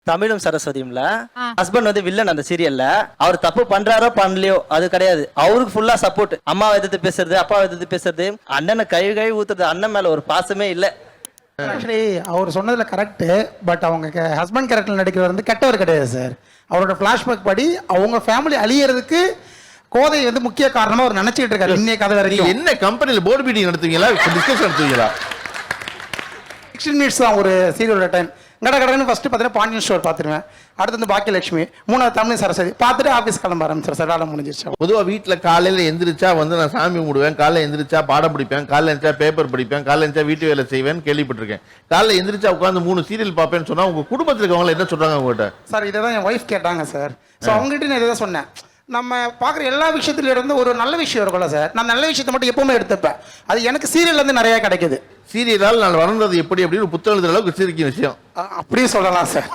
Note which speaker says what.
Speaker 1: தமிழும் சரஸ்வதியும்ல ஹஸ்பண்ட் வந்து வில்லன் அந்த சீரியல்ல. அவர் தப்பு பண்றாரோ பண்ணலையோ அது கிடையாது, அவருக்கு ஃபுல்லா சப்போர்ட். அம்மாவை எதிர்த்து பேசுறது, அப்பாவை எதிர்த்து பேசுறது, அண்ணனை கை ஊத்துறது. அண்ணன் மேல ஒரு பாசமே இல்ல.
Speaker 2: ஆக்சுவலி அவர் சொன்னதுல கரெக்ட். பட் அவங்க ஹஸ்பண்ட் கேரக்டர் நடிக்கிறவர் வந்து கெட்டவர் கிடையாது சார். அவரோட பிளாஷ்பேக் படி அவங்க ஃபேமிலி அழியறதுக்கு கோதை வந்து முக்கிய காரணமா அவர் நினைச்சிட்டு இருக்காரு இன்னைய கதை வரைக்கும்.
Speaker 3: என்ன கம்பெனில போர்டு மீட்டிங் நடத்துவீங்களா, டிஸ்கஷன் நடத்துவீங்களா?
Speaker 2: 16 மினிட்ஸ் தான் ஒரு சீரியலோட டைம். கடன்னு ஃபர்ஸ்ட் பார்த்தீங்கன்னா பாண்டியன் ஸ்டோர் பார்த்துருவேன், அடுத்து வந்து பாக்கியலட்சுமி, மூணாவது தமிழ் சரஸ்வதி பார்த்துட்டு ஆஃபீஸ் கிளம்ப ஆரம்பிச்சிடும் சார். வேலை முடிஞ்சிருச்சு.
Speaker 3: பொதுவாக வீட்டில் காலையில் எந்திரிச்சா வந்து நான் சாமி கும்பிடுவேன், காலையில் எந்திரிச்சா பாடம் படிப்பேன், காலையில் எந்திரிச்சா பேப்பர் படிப்பேன், காலையில் எந்திரிச்சா வீட்டு வேலை செய்வேன் கேள்விப்பட்டிருக்கேன். காலையில் எந்திரிச்சா உட்காந்து 3 சீரியல் பார்ப்பேன்னு சொன்னா உங்க குடும்பத்தில் இருக்கவங்க என்ன சொல்றாங்க உங்ககிட்ட?
Speaker 2: சார் இதை தான் என் ஒய்ஃப் கேட்டாங்க சார். ஸோ அவங்ககிட்ட நான் இதை தான் சொன்னேன். நம்ம பார்க்குற எல்லா விஷயத்துல இருந்து ஒரு நல்ல விஷயம் இருக்கும்ல சார், நான் நல்ல விஷயத்தை மட்டும் எப்பவுமே எடுத்துப்பேன். அது எனக்கு சீரியல்ல இருந்து நிறைய கிடைக்குது.
Speaker 3: சீரியலால் நான் வளர்ந்தது எப்படி அப்படின்னு புத்தகம் எழுதுற அளவுக்கு சிரிக்கும் விஷயம்
Speaker 2: அப்படியே சொல்லலாம் சார்.